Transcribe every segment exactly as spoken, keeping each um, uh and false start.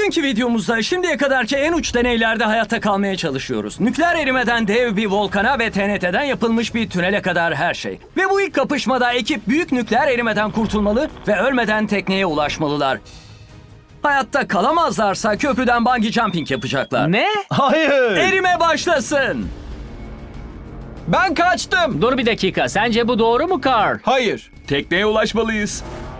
Bugünkü videomuzda şimdiye kadarki en uç deneylerde hayatta kalmaya çalışıyoruz. Nükleer erimeden dev bir volkana ve T N T'den yapılmış bir tünele kadar her şey. Ve bu ilk kapışmada ekip büyük nükleer erimeden kurtulmalı ve ölmeden tekneye ulaşmalılar. Hayatta kalamazlarsa köprüden bungee jumping yapacaklar. Ne? Hayır. Erime başlasın. Ben kaçtım. Dur bir dakika. Sence bu doğru mu Carl? Hayır. Tekneye ulaşmalıyız.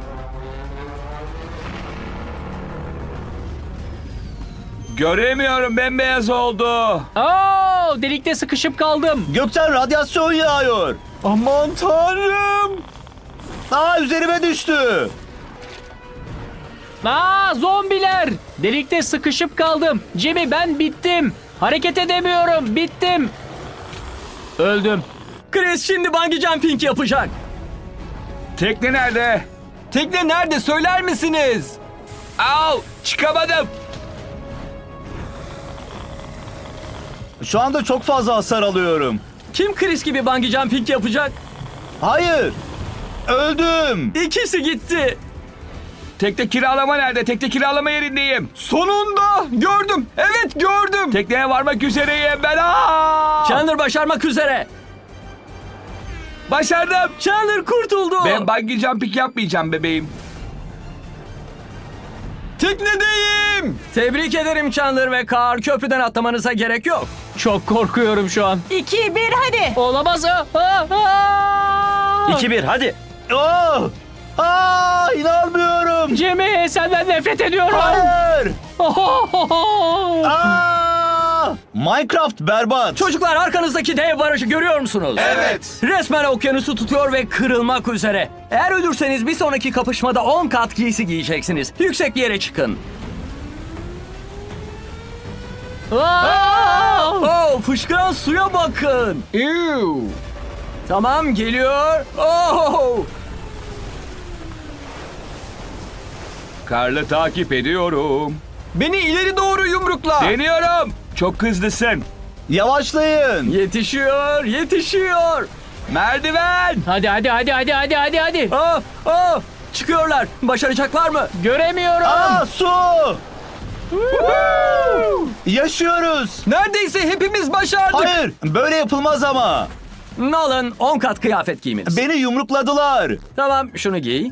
Göremiyorum, bembeyaz oldu. Oo, delikte sıkışıp kaldım. Gökten radyasyon yağıyor. Aman tanrım. Aa, üzerime düştü. Aa, zombiler. Delikte sıkışıp kaldım. Jimmy, ben bittim. Hareket edemiyorum. Bittim. Öldüm. Chris şimdi bungee jumping yapacak. Tekne nerede? Tekne nerede söyler misiniz? Au, çıkamadım. Şu anda çok fazla hasar alıyorum. Kim Chris gibi bungee jumping yapacak? Hayır. Öldüm. İkisi gitti. Tekne kiralama nerede? Tekne kiralama yerindeyim. Sonunda gördüm. Evet gördüm. Tekneye varmak üzereyim ben. Aa! Chandler başarmak üzere. Başardım. Chandler kurtuldu. Ben bungee jumping yapmayacağım bebeğim. Teknedeyim. Tebrik ederim Chandler ve Carl. Köprüden atlamanıza gerek yok. Çok korkuyorum şu an. İki, bir, hadi. Olamaz. Aa, aa. iki bir hadi. Oh! Aa, inanmıyorum. Jimmy, senden nefret ediyorum. Hayır. Ohohoho. Aa! Minecraft berbat. Çocuklar arkanızdaki dev barajı görüyor musunuz? Evet. Resmen okyanusu tutuyor ve kırılmak üzere. Eğer ölürseniz bir sonraki kapışmada on kat giysi giyeceksiniz. Yüksek bir yere çıkın. Aa! Oh, fışkıran suya bakın. Ew. Tamam geliyor. Oh! Karlı takip ediyorum. Beni ileri doğru yumrukla. Deniyorum. Çok hızlısın. Yavaşlayın. Yetişiyor, yetişiyor. Merdiven. Hadi hadi hadi hadi hadi hadi hadi. Oh, oh! Çıkıyorlar. Başaracaklar mı? Göremiyorum. Aa, su. Yaşıyoruz. Neredeyse hepimiz başardık. Hayır, böyle yapılmaz ama. Nolan on kat kıyafet giymeniz. Beni yumrukladılar. Tamam şunu giy.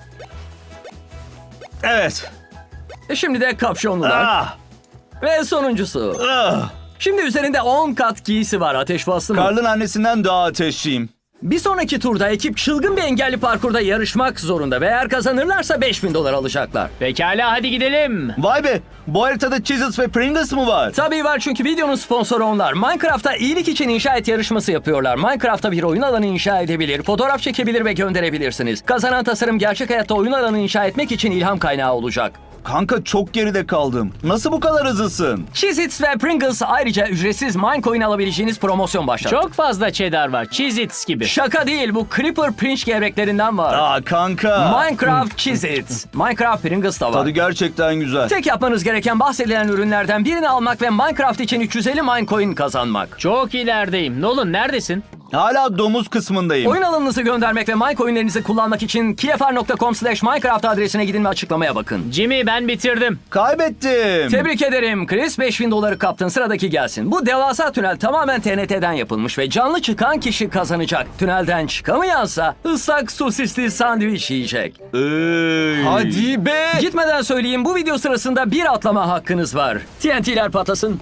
Evet. E şimdi de kapşonlular. Ah, Ve sonuncusu. ah. Şimdi üzerinde on kat giysi var. Ateş bastı mı? Karl'ın annesinden daha ateşliyim. Bir sonraki turda ekip çılgın bir engelli parkurda yarışmak zorunda. Ve eğer kazanırlarsa beş bin dolar alacaklar. Pekala, hadi gidelim. Vay be, bu haritada Cheez-Its ve Pringles mı var? Tabii var çünkü videonun sponsoru onlar. Minecraft'ta iyilik için inşa et yarışması yapıyorlar. Minecraft'ta bir oyun alanı inşa edebilir, fotoğraf çekebilir ve gönderebilirsiniz. Kazanan tasarım gerçek hayatta oyun alanı inşa etmek için ilham kaynağı olacak. Kanka çok geride kaldım. Nasıl bu kadar hızlısın? Cheez-Its ve Pringles ayrıca ücretsiz Minecoin alabileceğiniz promosyon başlattı. Çok fazla cheddar var. Cheez-Its gibi. Şaka değil, bu Creeper Pinch gevreklerinden var. Aa kanka. Minecraft Cheez-Its. Minecraft Pringles da var. Tadı gerçekten güzel. Tek yapmanız gereken bahsedilen ürünlerden birini almak ve Minecraft için üç yüz elli Minecoin kazanmak. Çok ilerideyim. Nolan, neredesin? Hala domuz kısmındayım. Oyun alanınızı göndermek ve Minecoin'lerinizi kullanmak için kfr nokta com slash minecraft adresine gidin ve açıklamaya bakın. Jimmy, ben bitirdim. Kaybettim. Tebrik ederim Chris. beş bin doları kaptın. Sıradaki gelsin. Bu devasa tünel tamamen T N T'den yapılmış ve canlı çıkan kişi kazanacak. Tünelden çıkamayansa ıslak sosisli sandviç yiyecek. Iy. Hadi be. Gitmeden söyleyeyim, bu video sırasında bir atlama hakkınız var. T N T'ler patlasın.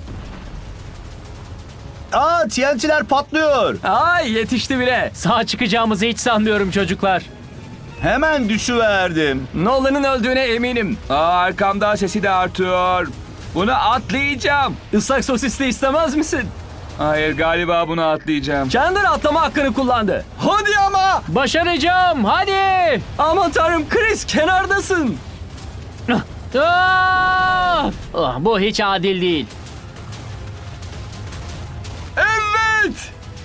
Aa, T N T'ler patlıyor. Ay yetişti bile. Sağ çıkacağımızı hiç sanmıyorum çocuklar. Hemen düşüverdim. Nolan'ın öldüğüne eminim. Aa, arkamda sesi de artıyor. Bunu atlayacağım. Islak sosisli istemez misin? Hayır, galiba bunu atlayacağım. Chandler atlama hakkını kullandı. Hadi ama. Başaracağım. Hadi. Aman tanrım Chris, kenardasın. Aa! Ah, bu hiç adil değil. Evet.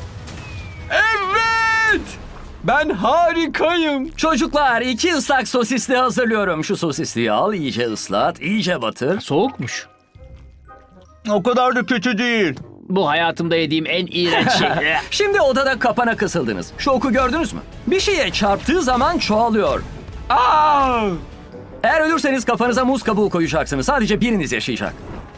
Evet. Ben harikayım. Çocuklar iki ıslak sosisli hazırlıyorum. Şu sosisliği al, iyice ıslat, iyice batır. Soğukmuş. O kadar da kötü değil. Bu hayatımda yediğim en iğrenç şey. Şimdi odada kapana kısıldınız. Şu oku gördünüz mü? Bir şeye çarptığı zaman çoğalıyor. Aa! Eğer ölürseniz kafanıza muz kabuğu koyacaksınız. Sadece biriniz yaşayacak.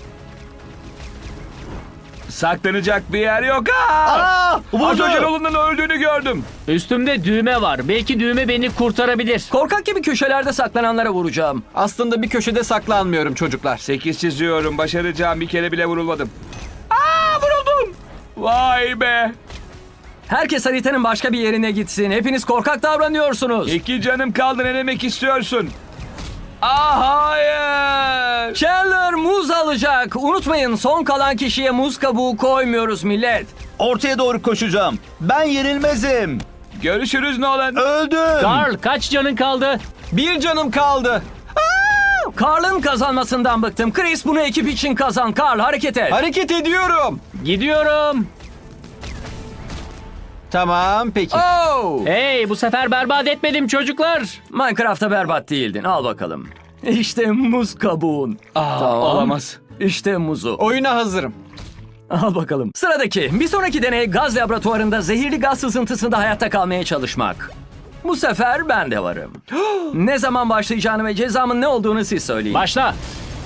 Saklanacak bir yer yok. Aa! Aa, Az vurdu. önce Nolan'ın öldüğünü gördüm. Üstümde düğme var. Belki düğme beni kurtarabilir. Korkak gibi köşelerde saklananlara vuracağım. Aslında bir köşede saklanmıyorum çocuklar. Sekiz çiziyorum. Başaracağım. Bir kere bile vurulmadım. Aa, vuruldum. Vay be. Herkes haritanın başka bir yerine gitsin. Hepiniz korkak davranıyorsunuz. İki canım kaldı. Ne demek istiyorsun? Aa, hayır. Chandler muz alacak. Unutmayın, son kalan kişiye muz kabuğu koymuyoruz millet. Ortaya doğru koşacağım. Ben yenilmezim. Görüşürüz Nolan. Öldüm. Carl, kaç canın kaldı? Bir canım kaldı. Carl'ın kazanmasından bıktım. Chris, bunu ekip için kazan. Carl, hareket et. Hareket ediyorum. Gidiyorum. Tamam peki. Oh! Hey, bu sefer berbat etmedim çocuklar. Minecraft'ta berbat değildin. Al bakalım. İşte muz kabuğun. Aa, olamaz. İşte muzu. Oyuna hazırım. Al bakalım. Sıradaki. Bir sonraki deney gaz laboratuvarında zehirli gaz sızıntısında hayatta kalmaya çalışmak. Bu sefer ben de varım. Ne zaman başlayacağını ve cezamın ne olduğunu siz söyleyin. Başla.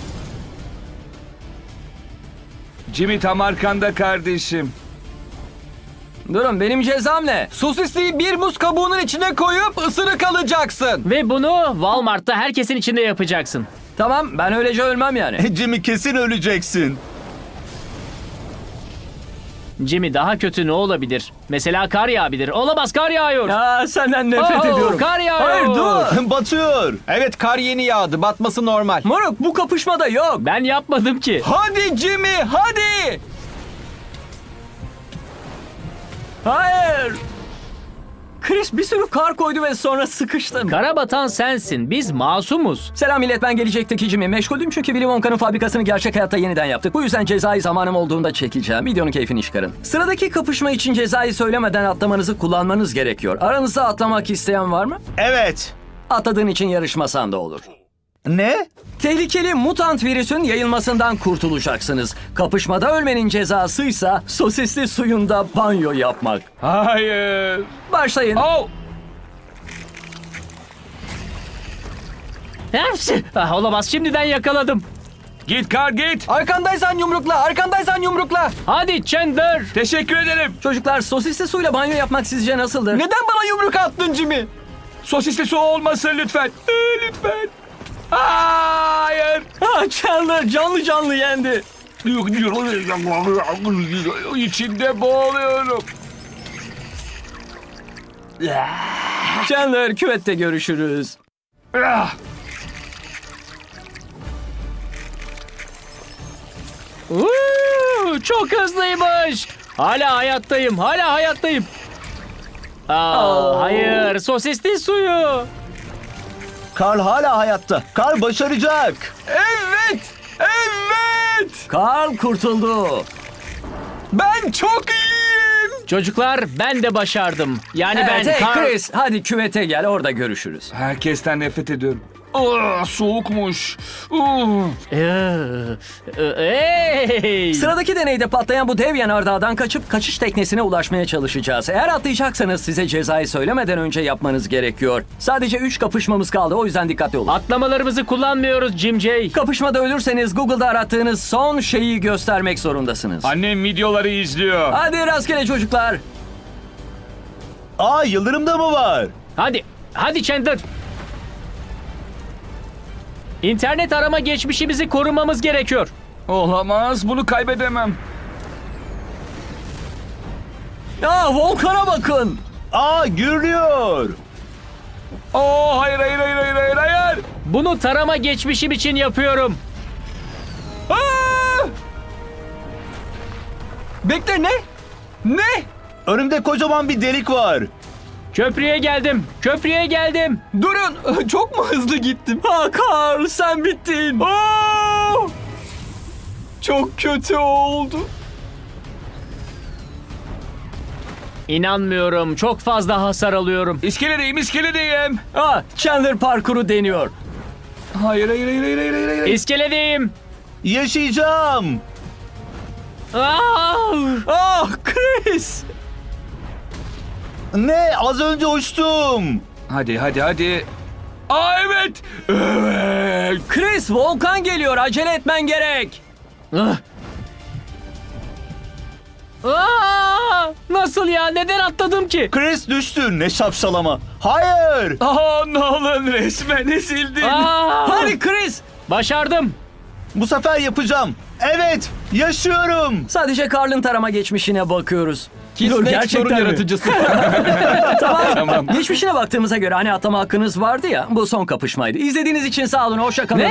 Jimmy tam arkanda kardeşim. Durun, benim cezam ne? Sosisliği bir muz kabuğunun içine koyup ısırık alacaksın. Ve bunu Walmart'ta herkesin içinde yapacaksın. Tamam, ben öylece ölmem yani. Jimmy kesin öleceksin. Jimmy, daha kötü ne olabilir? Mesela kar yağabilir. Olamaz, kar yağıyor. Ya senden nefret Oh, ediyorum. kar yağıyor. Hayır, dur. Batıyor. Evet, kar yeni yağdı. Batması normal. Moruk, bu kapışmada yok. Ben yapmadım ki. Hadi Jimmy, hadi. Hayır. Chris bir sürü kar koydu ve sonra sıkıştım. Kara batan sensin. Biz masumuz. Selam millet, ben gelecekteki Jimmy. Meşguldüm çünkü Willy Wonka'nın fabrikasını gerçek hayatta yeniden yaptık. Bu yüzden cezayı zamanım olduğunda çekeceğim. Videonun keyfini çıkarın. Sıradaki kapışma için cezayı söylemeden atlamanızı kullanmanız gerekiyor. Aranızda atlamak isteyen var mı? Evet. Atladığın için yarışmasan da olur. Ne? Tehlikeli mutant virüsün yayılmasından kurtulacaksınız. Kapışmada ölmenin cezasıysa sosisli suyunda banyo yapmak. Hayır. Başlayın. Oh. Hepsi. Ah, olamaz, şimdiden yakaladım. Git kar git. Arkandaysan yumrukla, arkandaysan yumrukla. Hadi Chandler. Teşekkür ederim. Çocuklar, sosisli suyla banyo yapmak sizce nasıldır? Neden bana yumruk attın Jimmy? Sosisli su olmasın lütfen. Ee, lütfen. Hayır. Ha, Chandler canlı canlı yendi. İçinde boğuluyorum. Chandler, küvette görüşürüz. Ah. Uuu, çok hızlıymış. Hala hayattayım. Hala hayattayım. Aa, Oh. hayır. Sosisli suyu. Karl hala hayatta. Karl başaracak. Evet, evet. Carl kurtuldu. Ben çok iyiyim. Çocuklar, ben de başardım. Yani Evet, ben hey kar... Chris, hadi küvete gel, orada görüşürüz. Herkesten nefret ediyorum. Ah, soğukmuş. Uh. Ee, e, Hey! Sıradaki deneyde patlayan bu dev yanardağdan kaçıp kaçış teknesine ulaşmaya çalışacağız. Eğer atlayacaksanız size cezayı söylemeden önce yapmanız gerekiyor. Sadece üç kapışmamız kaldı, o yüzden dikkatli olun. Atlamalarımızı kullanmıyoruz Jim J. Kapışmada ölürseniz Google'da arattığınız son şeyi göstermek zorundasınız. Annem videoları izliyor. Hadi rastgele çocuklar. Aa, yıldırım da mı var? Hadi, hadi Chandler. İnternet arama geçmişimizi korumamız gerekiyor. Olamaz. Bunu kaybedemem. Ya volkana bakın. Aa, gürlüyor. Oh, hayır hayır hayır hayır hayır hayır. Bunu tarama geçmişim için yapıyorum. Ah! Bekle, ne? Ne? Önümde kocaman bir delik var. Köprüye geldim. Köprüye geldim. Durun, çok mu hızlı gittim? Ha Carl, sen bittin. Aa! Çok kötü oldu. İnanmıyorum. Çok fazla hasar alıyorum. İskeledeyim iskeledeyim. Ah, Chandler parkuru deniyor. Hayır hayır hayır hayır hayır hayır. hayır. İskeledeyim. Yaşayacağım. Aa! Ah Chris. Ne? Az önce uçtum. Hadi hadi hadi. Aa evet. Evet. Chris, volkan geliyor. Acele etmen gerek. Ah! Aa! Nasıl ya? Neden atladım ki? Chris düştü. Ne şapşalama. Hayır. Aa Nolan resmen ezildin. Aa! Hadi Chris. Başardım. Bu sefer yapacağım. Evet. Yaşıyorum. Sadece Carl'ın tarama geçmişine bakıyoruz. Dur, sorun yaratıcısı. tamam. Geçmişine baktığımıza göre hani atlama hakkınız vardı ya. Bu son kapışmaydı. İzlediğiniz için sağ olun. Hoşça kalın. Ne?